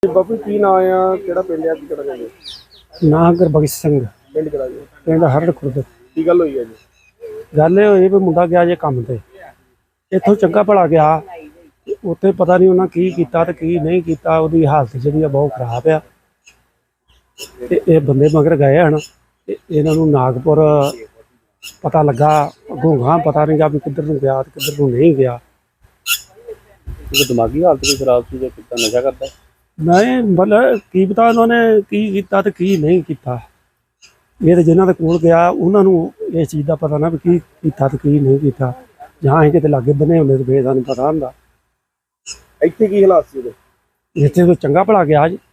ਬਾਪੂ ਕੀ ਨਾਂ ਆ, ਕਿਹੜਾ ਪਿੰਡ ਆ, ਕੀ ਕਿਹੜਾ ਜਾਂਦੇ? ਨਾ ਗੁਰਬਖਸ਼ ਸਿੰਘ ਪਿੰਡ ਕਿਹੜਾ ਜੀ? ਪਿੰਡ ਹਰੜ ਖੁਰਦ। ਕੀ ਗੱਲ ਹੋਈ ਹੈ ਜੀ? ਗੱਲ ਇਹ ਹੋਈ ਵੀ ਮੁੰਡਾ ਗਿਆ ਜੇ ਕੰਮ ਤੇ, ਇੱਥੋਂ ਚੰਗਾ ਭਲਾ ਗਿਆ, ਉੱਥੇ ਪਤਾ ਨਹੀਂ ਉਹਨਾਂ ਕੀ ਕੀਤਾ ਤੇ ਕੀ ਨਹੀਂ ਕੀਤਾ। ਉਹਦੀ ਹਾਲਤ ਜਿਹੜੀ ਆ ਬਹੁਤ ਖਰਾਬ ਆ ਤੇ ਇਹ ਬੰਦੇ ਮਗਰ ਗਏ ਹਨ ਤੇ ਇਹਨਾਂ ਨੂੰ ਨਾਗਪੁਰ ਪਤਾ ਲੱਗਾ, ਘੋਂਗਾ ਪਤਾ ਨਹੀਂ ਗਾ ਵੀ ਕਿੱਧਰ ਨੂੰ ਗਿਆ ਤੇ ਕਿੱਧਰ ਨੂੰ ਨਹੀਂ ਗਿਆ। ਦਿਮਾਗੀ ਹਾਲਤ ਵੀ ਖਰਾਬ ਸੀ ਜਾਂ ਕਿੱਦਾਂ ਨਸ਼ਾ ਕਰਦਾ? ਨਹੀਂ ਮਤਲਬ ਕੀ ਪਤਾ ਉਹਨਾਂ ਨੇ ਕੀ ਕੀਤਾ ਤੇ ਕੀ ਨਹੀਂ ਕੀਤਾ। ਇਹ ਤੇ ਜਿਨ੍ਹਾਂ ਦੇ ਕੋਲ ਗਿਆ ਉਹਨਾਂ ਨੂੰ ਇਸ ਚੀਜ਼ ਦਾ ਪਤਾ ਨਾ ਵੀ ਕੀ ਕੀਤਾ ਤੇ ਕੀ ਨਹੀਂ ਕੀਤਾ। ਜਾਂ ਅਸੀਂ ਕਿਤੇ ਲਾਗੇ ਬੰਨੇ ਹੁੰਦੇ ਤੇ ਫੇਰ ਸਾਨੂੰ ਪਤਾ ਹੁੰਦਾ। ਇੱਥੇ ਕੀ ਹਾਲਾਤ ਸੀ ਉਹਦੇ? ਇੱਥੇ ਕੋਈ ਚੰਗਾ ਭਲਾ ਗਿਆ ਜੀ।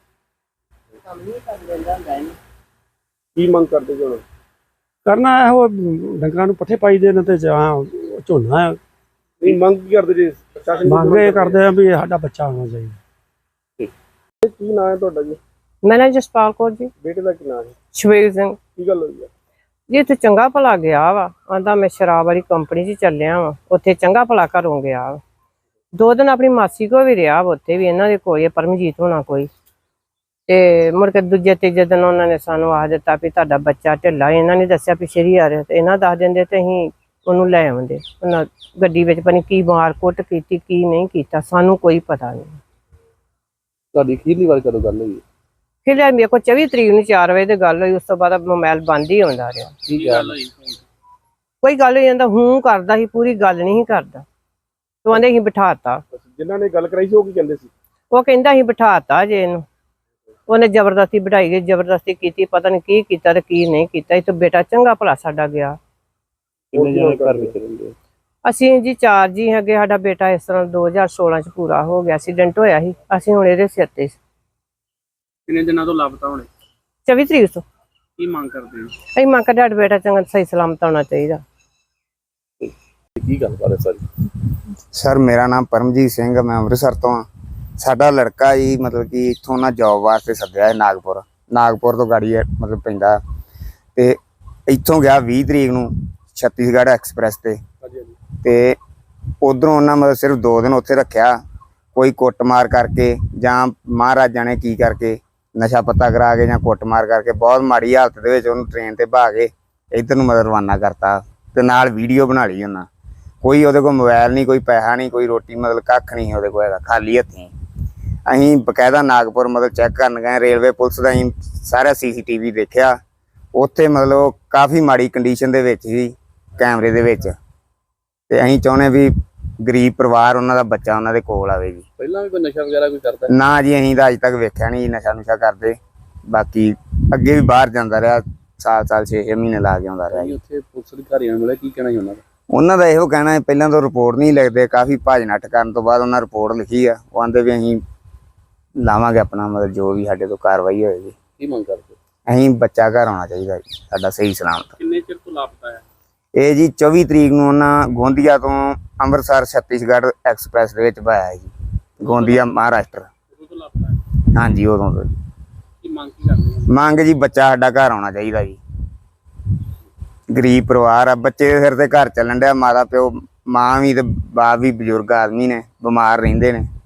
ਕੀ ਮੰਗ ਕਰਦੇ ਜੀ ਹੁਣ? ਕਰਨਾ ਇਹੋ ਡੰਗਰਾਂ ਨੂੰ ਪੱਠੇ ਪਾਈ ਦੇ ਨੇ ਤੇ ਜਾਂ ਝੋਨਾ। ਨਹੀਂ ਮੰਗ ਕੀ ਕਰਦੇ ਜੀ? ਪ੍ਰਸ਼ਾਸਨ ਮੰਗ ਇਹ ਕਰਦੇ ਆ ਵੀ ਸਾਡਾ ਬੱਚਾ ਹੋਣਾ ਚਾਹੀਦਾ। ਕੀ ਨਾਂ ਹੈ ਤੁਹਾਡਾ ਜੀ? ਮੇਰਾ ਜਸਪਾਲ ਕੌਰ ਜੀ। ਬੇਟੇ ਦਾ ਕੀ ਨਾਂ ਹੈ? ਸ਼ਵੇਲ ਸਿੰਘ ਕੀ ਗੱਲ ਹੋਈ ਹੈ ਜੀ? ਇੱਥੇ ਚੰਗਾ ਭਲਾ ਗਿਆ ਵਾ, ਆਂਦਾ ਮੈਂ ਸ਼ਰਾਬ ਵਾਲੀ ਕੰਪਨੀ 'ਚ ਚੱਲਿਆ ਵਾ। ਉੱਥੇ ਚੰਗਾ ਭਲਾ ਘਰੋਂ ਗਿਆ ਵਾ। 2 ਦਿਨ ਆਪਣੀ ਮਾਸੀ ਕੋਲ ਵੀ ਰਿਹਾ ਵਾ, ਉੱਥੇ ਵੀ ਇਹਨਾਂ ਦੇ ਕੋਈ ਪਰਮਜੀਤ ਹੋਣਾ ਕੋਈ। ਤੇ ਮੁੜ ਕੇ ਦੂਜੇ ਤੀਜੇ ਦਿਨ ਉਹਨਾਂ ਨੇ ਸਾਨੂੰ ਆਖ ਦਿੱਤਾ ਵੀ ਤੁਹਾਡਾ ਬੱਚਾ ਢਿੱਲਾ। ਇਹਨਾਂ ਨੇ ਦੱਸਿਆ ਪਿਛੇਰੀ ਆ ਰਿਹਾ ਤੇ ਇਹਨਾਂ ਦੱਸ ਦਿੰਦੇ ਤੇ ਅਸੀਂ ਉਹਨੂੰ ਲੈ ਆਉਂਦੇ। ਉਹਨਾਂ ਗੱਡੀ ਵਿੱਚ ਪਤਾ ਕੀ ਮਾਰ ਕੁੱਟ ਕੀਤੀ, ਕੀ ਨਹੀਂ ਕੀਤਾ, ਸਾਨੂੰ ਕੋਈ ਪਤਾ ਨਹੀਂ। ਤੁਹਾਡੀ ਅਖੀਰਲੀ ਵਾਰ ਕਦੋਂ ਗੱਲ ਹੋਈ? ਫਿਰ ਮੇਰੇ ਕੋਲ 24 ਤਰੀਕ ਨੂੰ 4 ਵਜੇ ਦੀ ਗੱਲ ਹੋਈ। ਉਸ ਤੋਂ ਬਾਅਦ ਮੋਬਾਈਲ ਬੰਦ ਹੀ ਹੁੰਦਾ ਰਿਹਾ। ਕੀ ਗੱਲ ਹੋਈ? ਕੋਈ ਗੱਲ ਨਹੀਂ ਜਾਂਦਾ, ਹੂੰ ਕਰਦਾ ਸੀ, ਪੂਰੀ ਗੱਲ ਨਹੀਂ ਕਰਦਾ। ਤੂੰ ਆਂਦੇ ਅਸੀਂ ਬਿਠਾਤਾ। ਜਿਨ੍ਹਾਂ ਨੇ ਗੱਲ ਕਰਾਈ ਸੀ ਉਹ ਕੀ ਕਹਿੰਦੇ ਸੀ? ਉਹ ਕਹਿੰਦਾ ਅਸੀਂ ਬਿਠਾਤਾ ਜੇ ਇਹਨੂੰ। ਉਹਨੇ ਜ਼ਬਰਦਸਤੀ ਬਿਠਾਈ ਗਈ, ਜ਼ਬਰਦਸਤੀ ਕੀਤੀ, ਪਤਾ ਨਹੀਂ ਕੀ ਕੀਤਾ ਤੇ ਕੀ ਨਹੀਂ ਕੀਤਾ। ਇਹ ਤਾਂ ਬੇਟਾ ਚੰਗਾ ਭਲਾ ਸਾਡਾ ਗਿਆ। ਕਿੰਨੇ ਜਣੇ ਘਰ ਵਿੱਚ ਰਹਿੰਦੇ? ਅਸੀਂ ਜੀ 4 ਜੀ ਹੈਗੇ। ਸਾਡਾ ਬੇਟਾ ਇਸ ਤਰ੍ਹਾਂ 2016 ਚ ਪੂਰਾ ਹੋ ਗਿਆ, ਐਕਸੀਡੈਂਟ ਹੋਇਆ ਸੀ। ਅਸੀਂ ਹੁਣ ਇਹਦੇ ਸਿਰ ਤੇ। ਕਿੰਨੇ ਦਿਨਾਂ ਤੋਂ ਲਾਪਤਾ ਹੋਣੇ? 24 ਤਰੀਕ ਤੋਂ। ਕੀ ਮੰਗ ਕਰਦੇ ਹੋ? ਅਸੀਂ ਮੰਗ ਕਰਦੇ ਸਾਡਾ ਬੇਟਾ ਚੰਗਾ ਸਹੀ ਸਲਾਮਤ ਹੋਣਾ ਚਾਹੀਦਾ। ਕੀ ਗੱਲ ਬਾਤ ਹੈ ਸਾਰੀ? ਸਰ ਮੇਰਾ ਨਾਮ ਪਰਮਜੀਤ ਸਿੰਘ, ਮੈਂ ਅੰਮ੍ਰਿਤਸਰ ਤੋਂ ਹਾਂ। ਸਾਡਾ ਲੜਕਾ ਜੀ ਮਤਲਬ ਕਿ ਇੱਥੋਂ ਨਾ ਜੋਬ ਵਾਸਤੇ ਸੱਦਿਆ ਹੈ ਨਾਗਪੁਰ ਤੋਂ ਗਾੜੀ ਮਤਲਬ ਪੈਂਦਾ ਤੇ ਇੱਥੋਂ ਗਿਆ 20 ਤਰੀਕ ਨੂੰ ਛੱਤੀਸਗੜ੍ਹ ਐਕਸਪ੍ਰੈਸ ਤੇ ਉਧਰੋਂ ਉਹਨਾਂ ਮਤਲਬ ਸਿਰਫ 2 ਦਿਨ ਉੱਥੇ ਰੱਖਿਆ। ਕੋਈ ਕੁੱਟਮਾਰ ਕਰਕੇ ਜਾਂ ਮਹਾਰਾਜ ਜਾਣੇ ਕੀ ਕਰਕੇ, ਨਸ਼ਾ ਪੱਤਾ ਕਰਾ ਕੇ ਜਾਂ ਕੁੱਟਮਾਰ ਕਰਕੇ ਬਹੁਤ ਮਾੜੀ ਹਾਲਤ ਦੇ ਵਿੱਚ ਉਹਨੂੰ ਟ੍ਰੇਨ ਤੇ ਬਹਾ ਕੇ ਇੱਧਰ ਨੂੰ ਮਤਲਬ ਰਵਾਨਾ ਕਰਤਾ ਤੇ ਨਾਲ ਵੀਡੀਓ ਬਣਾ ਲਈ ਉਹਨਾਂ। ਕੋਈ ਉਹਦੇ ਕੋਲ ਮੋਬਾਈਲ ਨਹੀਂ, ਕੋਈ ਪੈਸਾ ਨਹੀਂ, ਕੋਈ ਰੋਟੀ ਮਤਲਬ ਕੱਖ ਨਹੀਂ ਉਹਦੇ ਕੋਲ ਹੈਗਾ, ਖਾਲੀ ਹੱਥੀਂ। ਅਸੀਂ ਬਕਾਇਦਾ ਨਾਗਪੁਰ ਮਤਲਬ ਚੈੱਕ ਕਰਨ ਗਏ, ਰੇਲਵੇ ਪੁਲਿਸ ਦਾ ਅਸੀਂ ਸਾਰਾ CCTV ਦੇਖਿਆ। ਉੱਥੇ ਮਤਲਬ ਕਾਫੀ ਮਾੜੀ ਕੰਡੀਸ਼ਨ ਦੇ ਵਿੱਚ ਸੀ ਕੈਮਰੇ ਦੇ ਵਿੱਚ। ਤੇ ਅਸੀਂ ਚਾਹੁੰਦੇ ਵੀ ਗਰੀਬ ਪਰਿਵਾਰ ਉਹਨਾਂ ਦਾ ਬੱਚਾ ਉਹਨਾਂ ਦੇ ਕੋਲ ਆਵੇ ਜੀ। ਪਹਿਲਾਂ ਵੀ ਕੋਈ ਨਸ਼ਾ ਵਗੈਰਾ ਕੋਈ ਕਰਦਾ? ਨਾ ਜੀ, ਅਸੀਂ ਤਾਂ ਅੱਜ ਤੱਕ ਵੇਖਿਆ ਨਹੀਂ ਨਸ਼ਾ ਨੁਸ਼ਾ ਕਰਦੇ। ਬਾਕੀ ਅੱਗੇ ਵੀ ਬਾਹਰ ਜਾਂਦਾ ਰਿਹਾ, ਸਾਲ 6-6 ਮਹੀਨੇ ਲਾ ਕੇ ਆਉਂਦਾ ਰਿਹਾ ਜੀ। ਉੱਥੇ ਪੁਲਿਸ ਅਧਿਕਾਰੀਆਂ ਨੂੰ ਮਿਲਿਆ, ਕੀ ਕਹਿਣਾ ਸੀ ਉਹਨਾਂ ਦਾ? ਉਹਨਾਂ ਦਾ ਇਹੋ ਕਹਿਣਾ ਹੈ ਪਹਿਲਾਂ ਤਾਂ ਰਿਪੋਰਟ ਨਹੀਂ ਲਿਖਦੇ, ਕਾਫੀ ਭੱਜ ਨੱਠ ਕਰਨ ਤੋਂ ਬਾਅਦ ਉਹਨਾਂ ਰਿਪੋਰਟ ਲਿਖੀ ਆ। ਉਹ ਆਂਦੇ ਵੀ ਅਸੀਂ ਲਾਵਾਂਗੇ ਆਪਣਾ ਮਤਲਬ ਜੋ ਵੀ ਸਾਡੇ ਤੋਂ ਕਾਰਵਾਈ ਹੋਏਗੀ। ਕੀ ਮੰਗ ਕਰਦੇ? ਅਸੀਂ ਬੱਚਾ ਘਰ ਆਉਣਾ ਚਾਹੀਦਾ ਜੀ ਸਾਡਾ ਸਹੀ ਸਲਾਮਤ। ਕਿੰਨੇ ਚਿਰ ਤੋਂ ਲਾਪਤਾ ਹੈ ਇਹ ਜੀ 24 ਤਰੀਕ ਨੂੰ ਉਹਨਾਂ ਗੋਂਦੀਆ ਤੋਂ ਅੰਮ੍ਰਿਤਸਰ ਛੱਤੀਸਗੜ੍ਹ ਐਕਸਪ੍ਰੈਸ ਦੇ ਵਿੱਚ ਪਾਇਆ ਜੀ, ਗੋਂਦੀਆ ਮਹਾਰਾਸ਼ਟਰ। ਉਦੋਂ ਤੋਂ ਲਾਪਤਾ ਹੈ? ਹਾਂਜੀ ਉਦੋਂ ਤੋਂ ਜੀ। ਕੀ ਮੰਗ ਕੀ ਕਰਦੇ? ਮੰਗ ਜੀ ਬੱਚਾ ਸਾਡਾ ਘਰ ਆਉਣਾ ਚਾਹੀਦਾ ਜੀ। ਗਰੀਬ ਪਰਿਵਾਰ ਆ, ਬੱਚੇ ਦੇ ਸਿਰ ਤੇ ਘਰ ਚੱਲਣ ਡਿਆ। ਮਾਤਾ ਪਿਓ, ਮਾਂ ਵੀ ਤੇ ਬਾਪ ਵੀ ਬਜ਼ੁਰਗ ਆਦਮੀ ਨੇ, ਬਿਮਾਰ ਰਹਿੰਦੇ ਨੇ।